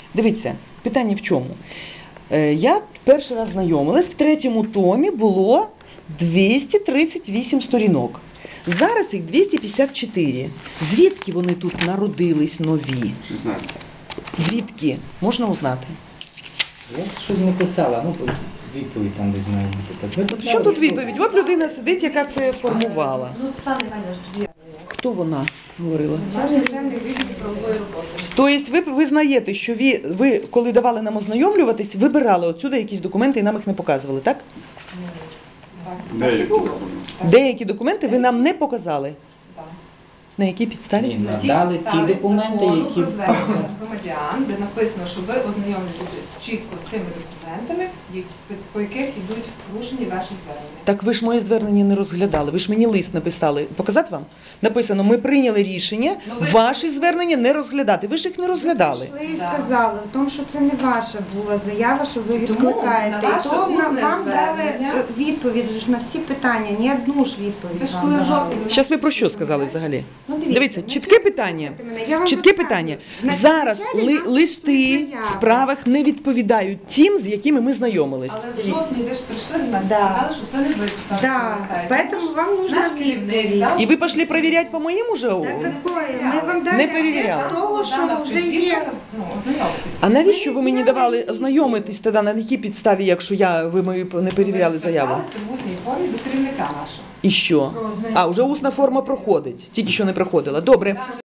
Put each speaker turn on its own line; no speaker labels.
Дивіться, питання в чому? Я перший раз знайомилась, в 3-му томі було 238 сторінок. Зараз їх 254. Звідки вони тут народились нові?
16.
Звідки? Можна узнати?
Я щось не писала, ну відповідь там десь має бути. Так, ви писали,
Що тут відповідь? От людина сидить, яка це формувала.
Ну, Світлана Іванівна ж тоді.
Хто вона говорила?
Начальник відділу правової роботи.
Тобто ви визнаєте, що ви, коли давали нам ознайомлюватись, вибирали отсюди якісь документи і нам їх не показували, так?
Деякі документи.
Деякі документи ви нам не показали.
Так.
На якій підставі?
Ні, надали ті документи, які
про звернення громадян, де написано, що ви ознайомлюєтеся чітко з тими документами, по яких йдуть порушені ваші звернення.
Так ви ж моє звернення не розглядали, ви ж мені лист написали. Показати вам? Написано, ми прийняли рішення ваші звернення не розглядати. Ви ж їх не розглядали.
Прийшли і сказали, в тому, що це не ваша була заява, що ви відкликаєте.
на
І
ваше
то
усне
вам дали
звернення.
відповідь ж на всі питання, ні одну ж
Ви
відповідь
ж
вам
коли
давали.
жовтні
Зараз ви про що сказали взагалі?
Ну,
Дивіться,
ну,
чітке питання.
слухайте мене, я вам
Чітке
розказую.
питання.
Значить,
Зараз
вначалі нам
листи
прийшли
в
заяви.
справах не відповідають тим, з якими ми знайомились.
Але в жовтні ви ж прийшли до нас і
Да.
сказали, що це не ви писали.
Да, поэтому вам нужна відповідь.
І ви пішли перевіряти по моєму ЖОУ?
Так какое? Ми вам дали
Не
ответ
перевіряли.
з того, що вже є.
Ну, ознайомитися.
А навіщо ви мені давали ознайомитись тоді, на якій підставі, якщо ви мою не перевіряли заяву?
Ви зверталися в усній формі до керівника нашого.
І що? А, вже усна форма проходить, тільки що не проходила. Добре.